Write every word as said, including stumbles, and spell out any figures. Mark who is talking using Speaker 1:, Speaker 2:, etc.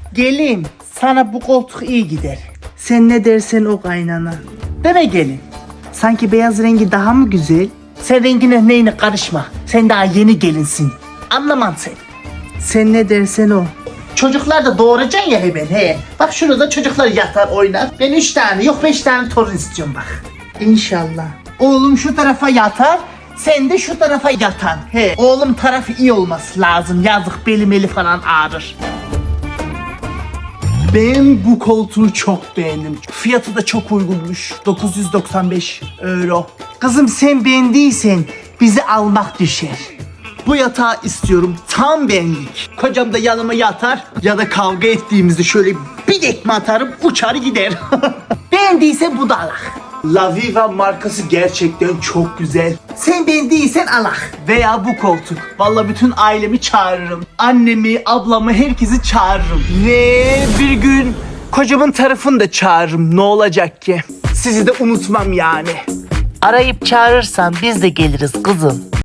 Speaker 1: Gelin, sana bu koltuk iyi gider. Sen ne dersen o kaynana. Değil mi gelin? Sanki beyaz rengi daha mı güzel? Sen rengine neyine karışma. Sen daha yeni gelinsin. Anlamam sen. Sen ne dersen o. Çocuklar da doğuracaksın ya hemen he. Bak şurada çocuklar yatar oynar. Ben üç tane yok beş tane torun istiyorum bak. İnşallah. Oğlum şu tarafa yatar. Sen de şu tarafa yatan. He. Oğlum tarafı iyi olması lazım. Yazık beli meli falan ağrır. Ben bu koltuğu çok beğendim. Fiyatı da çok uygunmuş. dokuz yüz doksan beş euro. Kızım sen beğendiysen bizi almak düşer. Bu yatağı istiyorum. Tam benlik. Kocam da yanıma yatar ya da kavga ettiğimizde şöyle bir tekme atarım uçar gider. Beğendiysen bu da alak. La Viva markası gerçekten çok güzel. Sen beğendiysen alak. Veya bu koltuk. Vallahi bütün ailemi çağırırım. Annemi, ablamı, herkesi çağırırım. Ve bir gün kocamın tarafını da çağırırım. Ne olacak ki? Sizi de unutmam yani.
Speaker 2: Arayıp çağırırsan biz de geliriz kızım.